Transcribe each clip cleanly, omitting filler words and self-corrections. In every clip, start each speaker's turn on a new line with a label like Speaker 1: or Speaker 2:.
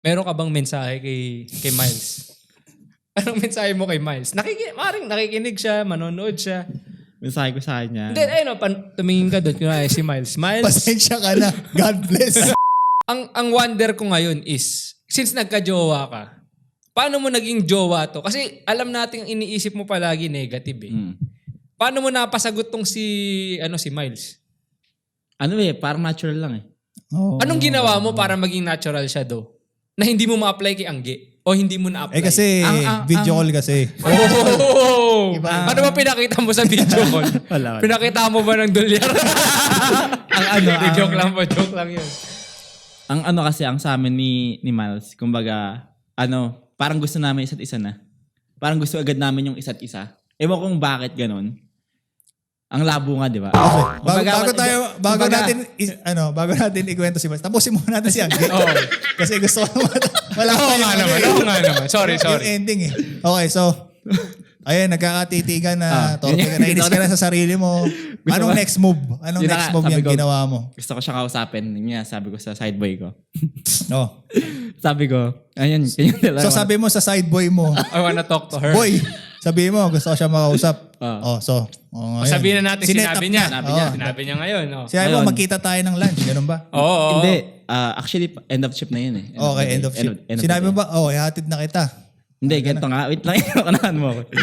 Speaker 1: Meron ka bang mensahe kay Miles? Anong mensahe mo kay Miles? Maring nakikinig siya, manonood siya.
Speaker 2: Mensahe ko sa kanya.
Speaker 1: Then, ayun, tumingin ka doon. Kunwari si Miles. Miles,
Speaker 3: Pasensya ka na. God bless.
Speaker 1: ang wonder ko ngayon is, since nagka-jowa ka, paano mo naging jowa to? Kasi alam natin iniisip mo palagi negative eh. Paano mo napasagot tong si Miles?
Speaker 2: Parang natural lang eh.
Speaker 3: Oh.
Speaker 1: Anong ginawa mo para maging natural siya do? Na hindi mo ma-apply kay Angge? O hindi mo na-apply?
Speaker 3: Kasi video call kasi.
Speaker 1: Oh! Ano ba pinakita mo sa video call?
Speaker 2: Wala.
Speaker 1: Pinakita mo ba ng dolyar? Joke lang yun.
Speaker 2: Ang sa amin ni Miles, kumbaga, parang gusto namin isa't isa na. Parang gusto agad namin yung isa't isa. Ewan kung bakit ganun. Ang labo nga, di ba?
Speaker 3: Okay. Bago natin ikwento si Miles. Tapusin muna natin si Angge. Kasi gusto ko wala
Speaker 1: Oo nga naman. Sorry.
Speaker 3: Yung ending eh. Okay, so ayun, nagkakatitigan na nainis ka na sa sarili mo. Anong next move? Anong
Speaker 2: Yun
Speaker 3: next
Speaker 2: na,
Speaker 3: move
Speaker 2: sabi
Speaker 3: yung
Speaker 2: ko,
Speaker 3: ginawa mo?
Speaker 2: Gusto ko siya kausapin. Yun nga, sabi ko sa sideboy ko.
Speaker 3: Oh.
Speaker 2: Sabi ko, ayun,
Speaker 3: So sabi mo sa side boy mo,
Speaker 1: I wanna talk to her.
Speaker 3: boy, sabi mo gusto ko siya makausap.
Speaker 1: Sabihin na natin,
Speaker 3: Sinet
Speaker 1: sinabi
Speaker 3: up
Speaker 1: niya.
Speaker 3: na.
Speaker 1: Sinabi niya ngayon.
Speaker 3: Sinabi mo,
Speaker 2: Ayun.
Speaker 3: magkita tayo ng lunch. Ganun ba?
Speaker 1: Oo.
Speaker 2: Hindi, actually, end of shift na yun eh.
Speaker 3: Okay, end of shift. Sinabi mo ba, ihatid na kita.
Speaker 2: Hindi, ganito nga. Wait lang, kanahan mo ako.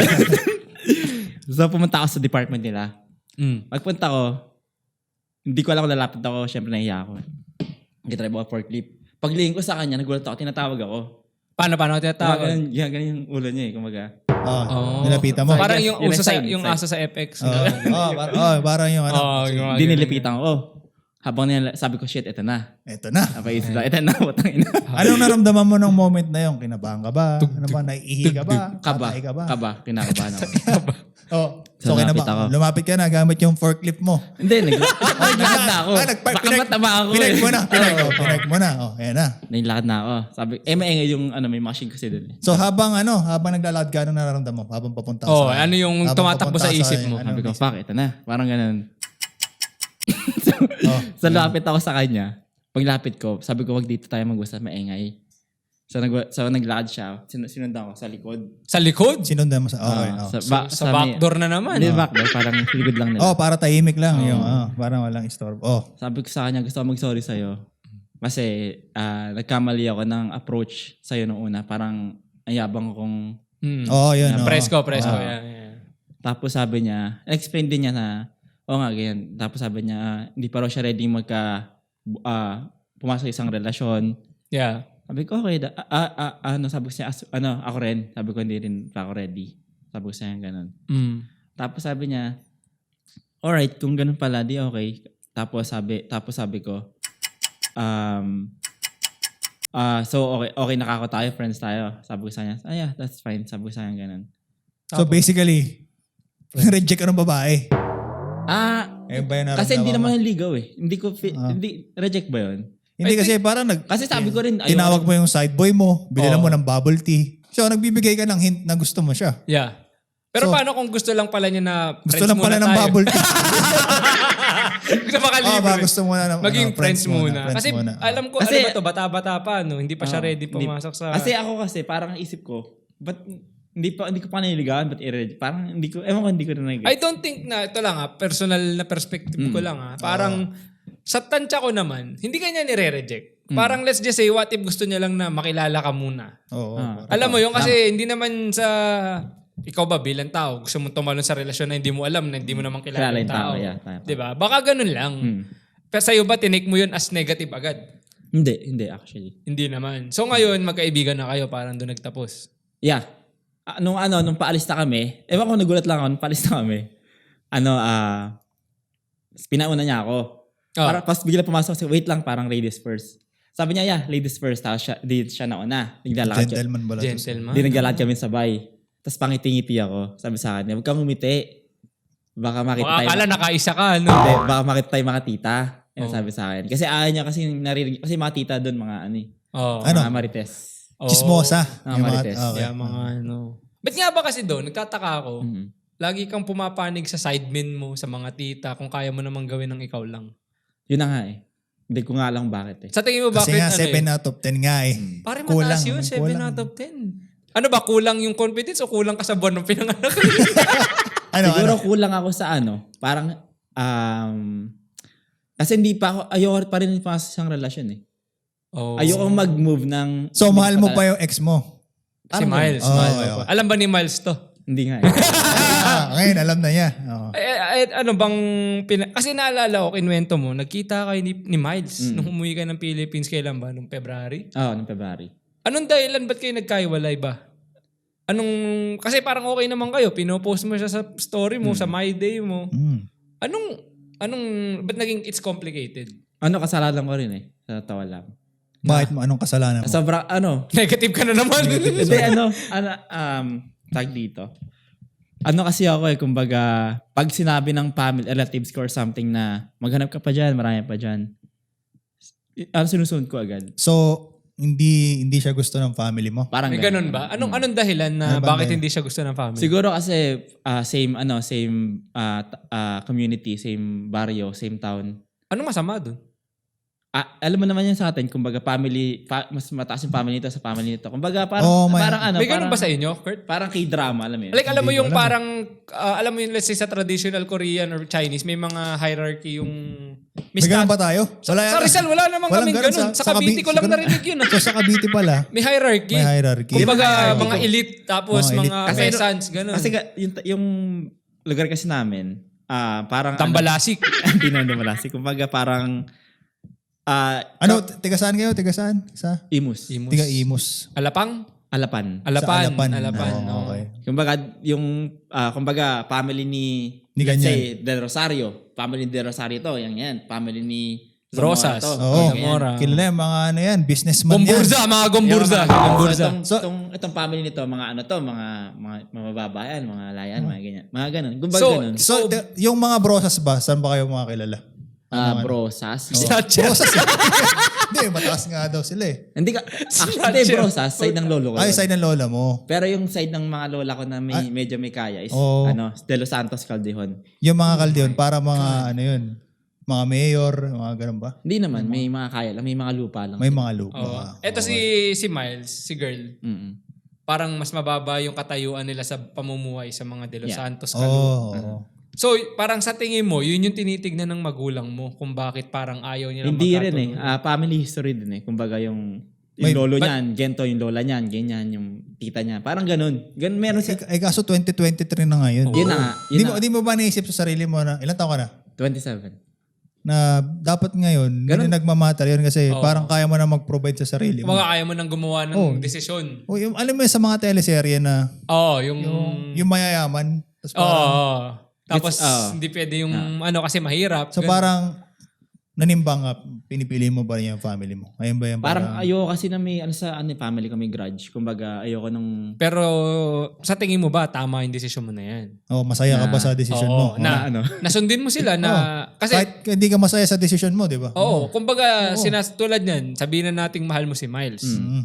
Speaker 2: So, pumunta ako sa department nila. Pagpunta ko, hindi ko alam kung lalapit ako. Siyempre, nahiya ako. Nag-try ako forklift. Paglingin ko sa kanya, nagulat ako, tinatawag ako.
Speaker 1: Paano ka tinatawag?
Speaker 2: Ganun yung ulo niya eh, kumaga.
Speaker 3: Nilapitan mo.
Speaker 1: Parang
Speaker 2: Yes,
Speaker 1: yung
Speaker 2: yun
Speaker 1: uso
Speaker 2: ang
Speaker 1: sa
Speaker 2: side,
Speaker 1: yung
Speaker 2: side.
Speaker 1: aso sa FX.
Speaker 3: Parang yung
Speaker 2: Hindi nilipitan ko. Habang sabi ko, shit, eto na.
Speaker 3: Eto na.
Speaker 2: Napaisip lang, eto na, putang ina.
Speaker 3: Anong naramdaman mo ng moment na yun? Kinabahan ka ba? Ano ba? Naiihi ka ba?
Speaker 2: Kaba,
Speaker 3: Patay ka ba?
Speaker 2: kinakabahan ako.
Speaker 3: So
Speaker 2: lumapit ako.
Speaker 3: Lumapit ka na gamit yung forklift mo.
Speaker 2: Hindi, naglakad na ako. Baka mataba ako.
Speaker 3: Pinag mo na. Ayan na.
Speaker 2: Naglakad na ako. Sabi, maingay yung may machine kasi doon.
Speaker 3: So habang naglalakad ka, anong nararamdaman mo? Habang papunta sa...
Speaker 1: ano yung tumatakbo sa isip mo?
Speaker 2: Sabi ko, fuck, ito na. Parang ganun. So lapit ako sa kanya. Paglapit ko, sabi ko, wag dito tayo mag-usap, maingay. So naglakad siya. Sinundan ko sa likod.
Speaker 1: Sa likod?
Speaker 3: Sinundan mo sa... Okay.
Speaker 1: Sa backdoor na naman.
Speaker 2: Hindi backdoor, parang likod lang nila.
Speaker 3: Para tahimik lang. Yung, parang walang istorbo.
Speaker 2: Sabi ko sa kanya, gusto ko mag-sorry sa'yo. Kasi nagkamali ako ng approach sa'yo noong una. Parang ayabang kong...
Speaker 3: Yun.
Speaker 1: Presko. Yeah.
Speaker 2: Tapos sabi niya, explain din niya na, nga, ganyan. Tapos sabi niya, hindi pa raw siya ready pumasok sa isang relasyon.
Speaker 1: Yeah.
Speaker 2: Sabi ko, okay. Sabi ko siya, ako rin. Sabi ko, hindi rin pa ako ready. Sabi ko siya, ganun. Tapos sabi niya, alright, kung ganun pala, di okay. Tapos sabi ko, so okay nakako tayo, friends tayo. Sabi ko sa kanya, yeah, that's fine. Sabi ko sa kanya, ganun.
Speaker 3: So basically, reject ka ng babae.
Speaker 2: Kasi hindi naman yung ligaw eh. Hindi, reject ba yun?
Speaker 3: Hindi kasi parang
Speaker 2: kasi sabi ko rin,
Speaker 3: tinawag mo yung side boy mo, binilan mo ng bubble tea. So nagbibigay ka ng hint na gusto mo siya.
Speaker 1: Yeah. Pero paano kung gusto lang pala niya na
Speaker 3: gusto lang pala ng bubble tea?
Speaker 1: Gusto makalibre.
Speaker 3: Gusto mo na
Speaker 1: maging friends muna. Kasi
Speaker 3: muna.
Speaker 1: alam ko,
Speaker 2: kasi,
Speaker 1: ano ba to, bata-bata pa, no? Hindi pa siya ready pumasok sa...
Speaker 2: Kasi ako parang isip ko, ba't hindi ko pa naniligawan, ba't parang hindi ko na nag-
Speaker 1: I don't think na, ito lang personal na perspective ko lang parang sa tansya ko naman, hindi kanya nire-reject. Parang let's just say, what if gusto niya lang na makilala ka muna? Alam mo yun, kasi hindi naman sa... Ikaw ba bilang tao, gusto mong tumalon sa relasyon na hindi mo alam, na hindi mo naman kilala yung tao.
Speaker 2: Yeah,
Speaker 1: diba? Baka ganun lang. Pero sa'yo ba, tinake mo yun as negative agad?
Speaker 2: Hindi actually.
Speaker 1: Hindi naman. So ngayon, magkaibigan na kayo, parang doon nagtapos.
Speaker 2: Yeah. Nung paalis na kami, ewan ko nagulat lang ako, nung paalis na kami, pinauna niya ako. Para, pas bigla pumasok, wait lang, parang ladies first. Sabi niya, yeah, ladies first. Tapos siya nauna.
Speaker 3: Gentleman ba?
Speaker 1: Gentleman.
Speaker 2: Hindi naglalakad kami sabay. Tapos pangiti-ngiti ako. Sabi sa akin, huwag kang umiti. Baka makita tayo.
Speaker 1: Akala nakaisa ka, no?
Speaker 2: Hindi, baka makita tayo mga tita. Yan sabi sa akin. Kasi ayaw niya kasi narinig. Kasi mga tita doon, mga mga marites.
Speaker 3: Chismosa.
Speaker 2: Mga marites.
Speaker 1: Yeah, mga Ba't nga ba kasi doon, nagtataka ako, lagi kang pumapanig sa sidemen mo, sa mga tita, kung kaya mo namang gawin ng ikaw lang.
Speaker 2: Yun na nga eh. Hindi ko nga lang bakit eh.
Speaker 1: Sa tingin mo
Speaker 3: Kasi
Speaker 1: bakit
Speaker 3: nga 7 out of 10 nga eh.
Speaker 1: Pare
Speaker 3: Kulang,
Speaker 1: mataas yun, 7
Speaker 3: kulang.
Speaker 1: out of 10. Ano ba, kulang yung confidence o kulang ka sa buwan ng pinanganak?
Speaker 2: Siguro kulang ako sa parang, kasi hindi pa ako, ayoko pa rin pa sa isang relasyon eh.
Speaker 1: Oh.
Speaker 2: Ayoko mag-move ng...
Speaker 3: So, mahal mo pa yung ex mo?
Speaker 1: Si Miles.
Speaker 3: Oh,
Speaker 1: Miles.
Speaker 3: okay.
Speaker 1: Alam ba ni Miles to?
Speaker 2: Hindi nga eh.
Speaker 3: Ngayon, alam na niya. Oo.
Speaker 1: Ano bang... Kasi naalala ko, kinwento mo, nagkita kayo ni Miles nung umuwi ka ng Philippines. Kailan ba? Nung February?
Speaker 2: Oo, noong February.
Speaker 1: Anong dahilan? Ba't kayo nagkaiwalay ba? Kasi parang okay naman kayo. Pinopost mo siya sa story mo, sa My Day mo. Ba't naging it's complicated?
Speaker 2: Kasalanan ko rin eh. Sa tawa lang.
Speaker 3: Bakit mo? Anong kasalanan mo?
Speaker 2: Sobra,
Speaker 1: Negative ka na naman.
Speaker 2: Hindi, tag dito. Kasi ako kumbaga, pag sinabi ng family, relatives ko or something na maghanap ka pa dyan, marami pa dyan, sinusunod ko agad.
Speaker 3: So, hindi siya gusto ng family mo?
Speaker 2: Parang
Speaker 1: May ganun ba? Anong dahilan na bakit hindi siya gusto ng family?
Speaker 2: Siguro kasi same community, same barrio, same town.
Speaker 1: Anong masama dun?
Speaker 2: Alam mo naman yan sa atin, kumbaga family, mas mataas yung family nito sa family nito. Kumbaga parang,
Speaker 1: may ganun ba sa inyo, Kurt?
Speaker 2: Parang K-drama, alam mo yun.
Speaker 1: Like, alam mo yung parang, alam mo yung let's say sa traditional Korean or Chinese, may mga hierarchy yung...
Speaker 3: May ganun ba tayo?
Speaker 1: Sa Rizal, wala namang kaming ganun. Sa Cavite ko lang narinig yun.
Speaker 3: So sa Cavite pala,
Speaker 1: May hierarchy.
Speaker 3: may hierarchy.
Speaker 1: Kumbaga, mga elite, tapos
Speaker 3: Mga elite.
Speaker 1: mga peasants, ganun.
Speaker 2: Kasi yung lugar kasi namin, parang...
Speaker 1: Tambalasik.
Speaker 2: Hindi naman Tambalasik. Kumbaga parang...
Speaker 3: Tiga saan kayo? Tiga saan? Sa?
Speaker 2: Imus.
Speaker 3: Tiga Imus.
Speaker 1: Alapan.
Speaker 2: Alapan.
Speaker 3: Sa Alapan.
Speaker 1: Oh,
Speaker 3: okay.
Speaker 2: Kumbaga, kumbaga, family ni let's say, Del Rosario. Family ni Del Rosario to, yan. Family ni
Speaker 1: Rosas.
Speaker 2: To.
Speaker 3: Oo.
Speaker 1: Zamora.
Speaker 3: Kilala yung mga businessman
Speaker 1: Gomburza, mga Gomburza.
Speaker 2: Itong family nito, mga mga mababayan, mga layan, mga ganyan. Mga ganun. Kumbaga ganun.
Speaker 3: So, yung mga brosas ba, saan ba kayo mga kilala?
Speaker 2: Brosas.
Speaker 3: Brosas. Hindi, mataas nga daw sila eh.
Speaker 2: Hindi brosas, side ng lolo ko.
Speaker 3: Ay, side ng lola mo.
Speaker 2: Pero yung side ng mga lola ko na medyo may kaya is De Los Santos Caldejon.
Speaker 3: Yung mga Caldejon, para mga mga mayor, mga ganun ba?
Speaker 2: Hindi naman, may mga kaya lang, may mga lupa lang.
Speaker 3: May mga lupa.
Speaker 1: Ito si Miles, si girl.
Speaker 2: Mm-mm.
Speaker 1: Parang mas mababa yung katayuan nila sa pamumuhay sa mga De Los Santos. So, parang sa tingin mo, yun yung tinitignan ng magulang mo kung bakit parang ayaw nilang
Speaker 2: hindi rin family history din eh. Kumbaga yung lolo niyan, gento yung lola niyan, ganyan yung tita niya. Parang ganun. Meron siya.
Speaker 3: Kaso 2023 na ngayon.
Speaker 2: Yun na nga.
Speaker 3: Di mo ba naisip sa sarili mo na, ilan taon ka na?
Speaker 2: 27.
Speaker 3: Na dapat ngayon, hindi nagmamatter yun kasi parang kaya mo na mag-provide sa sarili mo.
Speaker 1: Kumbaga kaya mo nang gumawa ng desisyon.
Speaker 3: Alam mo yun sa mga teleserye na
Speaker 1: yung
Speaker 3: mayayaman.
Speaker 1: Tapos hindi pwede yung kasi mahirap.
Speaker 3: So parang nanimbang ka, pinipili mo ba rin yung family mo? Ayun ba yan?
Speaker 2: Parang ayoko kasi na may family ko may grudge. Kumbaga ayoko nung...
Speaker 1: Pero sa tingin mo ba tama yung desisyon mo na yan?
Speaker 3: Masaya ka ba sa desisyon mo?
Speaker 1: Nasundin mo sila na... Kasi,
Speaker 3: kahit hindi ka masaya sa desisyon mo, di ba?
Speaker 1: Kumbaga tulad yan, sabihin na nating mahal mo si Miles.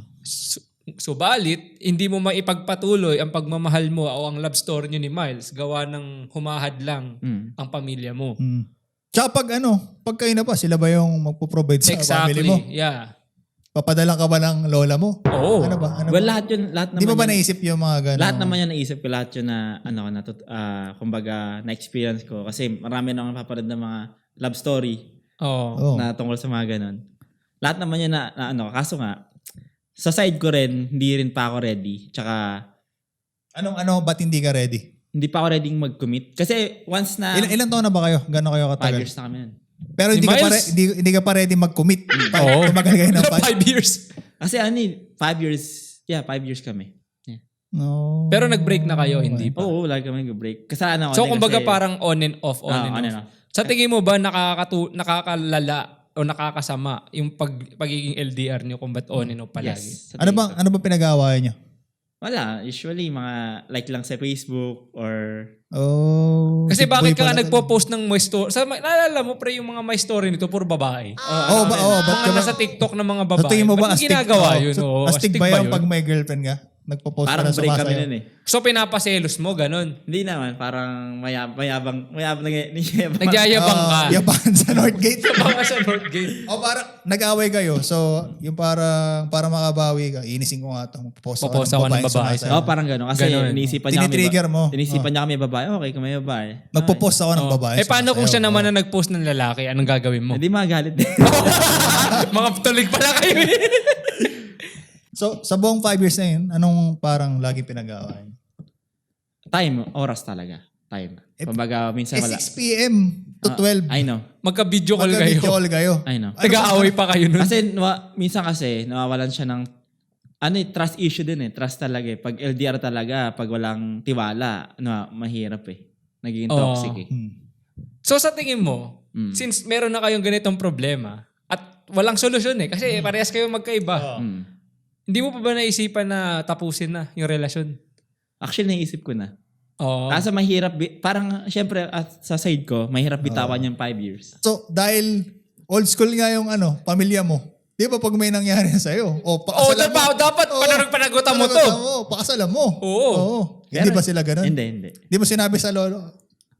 Speaker 1: Subalit, hindi mo maipagpatuloy ang pagmamahal mo o ang love story niyo ni Miles gawa ng humahad lang ang pamilya mo.
Speaker 3: Tsaka pag kayo na pa, sila ba yung magpo-provide sa family mo?
Speaker 1: Yeah.
Speaker 3: Papadala ka ba ng lola mo?
Speaker 1: Oo.
Speaker 3: Ano ba?
Speaker 2: Lahat naman.
Speaker 3: Di mo ba naisip yung mga gano'n?
Speaker 2: Lahat naman yan naisip ko. Lahat yun na, kumbaga, na-experience ko. Kasi marami na akong napapanood ng mga love story na tungkol sa mga gano'n. Lahat naman yan kaso nga, sa side ko rin, hindi rin pa ako ready. Tsaka...
Speaker 3: ba't hindi ka ready?
Speaker 2: Hindi pa ako ready mag-commit. Kasi once na...
Speaker 3: Ilan taon na ba kayo? Gano'n kayo katagal?
Speaker 2: 5 years na kami yan.
Speaker 3: Pero hindi ka pa ready mag-commit. Tumagal kayo ng
Speaker 1: 5 years.
Speaker 2: Kasi 5 years. Yeah, 5 years kami. Yeah.
Speaker 3: No.
Speaker 1: Pero nag-break na kayo, hindi pa?
Speaker 2: Oo, lagi kami nag-break. Kasalanan ko.
Speaker 1: So kumbaga parang on and off. Sa tingin mo ba nakakalala o nakakasama yung pagiging LDR niyo kung ba't on and off palagi?
Speaker 2: Yes.
Speaker 3: Ano ba pinag-aawayan niyo?
Speaker 2: Wala. Usually, mga like lang sa Facebook or...
Speaker 1: Kasi bakit ka nagpo-post ng my story? Naalala mo pre yung mga my story nito, puro babae.
Speaker 3: Mga nasa
Speaker 1: TikTok na mga babae.
Speaker 3: Tingin mo ba
Speaker 1: ginagawa yun?
Speaker 3: Astig ba yung pag may girlfriend ka? nagpo-post
Speaker 2: Parang
Speaker 3: na
Speaker 2: break kami
Speaker 3: sumasayaw.
Speaker 2: nun eh.
Speaker 1: So pinapaselos mo, ganun.
Speaker 2: Hindi naman, parang mayabang
Speaker 1: Nagyayabang ka.
Speaker 3: Yabangan sa Northgate.
Speaker 1: Baka sa Northgate.
Speaker 3: O parang nag-away kayo. So, yung parang para makabawi ka, inisin ko nga ito.
Speaker 1: Popost ako ng babae
Speaker 2: Oo, parang gano'n. Kasi
Speaker 1: Ganun.
Speaker 2: iniisipan niya
Speaker 3: Tinitrigger mo.
Speaker 2: Inisipan niya kami babae. Okay, kung may babae.
Speaker 3: Magpo-post ako ng babae.
Speaker 1: Paano kung siya
Speaker 3: sumasayaw.
Speaker 1: naman na nag-post ng lalaki? Anong gagawin mo?
Speaker 2: Hindi magalit din.
Speaker 1: Mga tulig pala kayo eh.
Speaker 3: So, sa buong 5 years na yun, anong parang lagi pinag-aaway?
Speaker 2: Time, oras talaga. Time. Kumbaga, minsan wala.
Speaker 3: 6 p.m. to 12.
Speaker 2: I know.
Speaker 1: Magka-video call kayo.
Speaker 3: Magka-video call kayo.
Speaker 2: I know.
Speaker 1: Nag-aaway pa kayo nun.
Speaker 2: Kasi minsan kasi nawawalan siya ng trust issue din eh. Trust talaga eh. Pag LDR talaga, pag walang tiwala, mahirap eh. Nagiging toxic eh.
Speaker 1: So sa tingin mo, since meron na kayong ganitong problema at walang solusyon eh, kasi parehas kayo magkaiba. Hindi mo pa ba naisipan na tapusin na yung relasyon?
Speaker 2: Actually, naisip ko na.
Speaker 1: Oo.
Speaker 2: Kaso mahirap, parang syempre sa side ko, mahirap bitawan yung 5 years.
Speaker 3: So, dahil old school nga yung pamilya mo, di ba pag may nangyari sa'yo, pakasalan mo.
Speaker 1: Dapat panagutan mo to.
Speaker 3: Pakasalan mo.
Speaker 1: Oo.
Speaker 3: Hindi ba sila ganun?
Speaker 2: Hindi.
Speaker 3: Di mo sinabi sa lolo,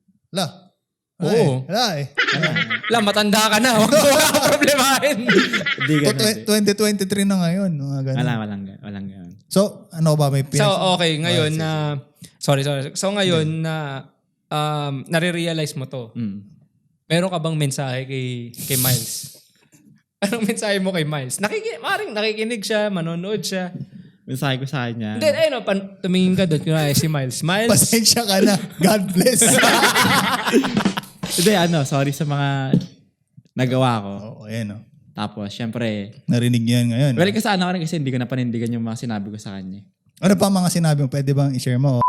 Speaker 1: Oo.
Speaker 3: Wala eh.
Speaker 1: Matanda ka na. Huwag mo kang problemahin.
Speaker 2: Hindi ganun.
Speaker 3: 2023 na ngayon. Mga ganun.
Speaker 2: Walang ganun.
Speaker 3: So, ano ba may
Speaker 1: So, okay. Ngayon na... Sorry. So, ngayon na nare-realize mo to. Meron ka bang mensahe kay Miles? Anong mensahe mo kay Miles? Maring nakikinig siya, manonood siya.
Speaker 2: Mensahe ko sa kanya.
Speaker 1: Then, tumingin ka doon. Kunwari si Miles.
Speaker 3: Pasensya ka na. God bless.
Speaker 2: Hindi, sorry sa mga nagawa ko.
Speaker 3: Oo, ayan o.
Speaker 2: Tapos, syempre,
Speaker 3: Narinig niyo yan ngayon.
Speaker 2: well, kasana ko rin kasi hindi ko na panindigan yung mga sinabi ko sa kanya.
Speaker 3: Ano pa mga sinabi mo? Pwede bang i-share mo?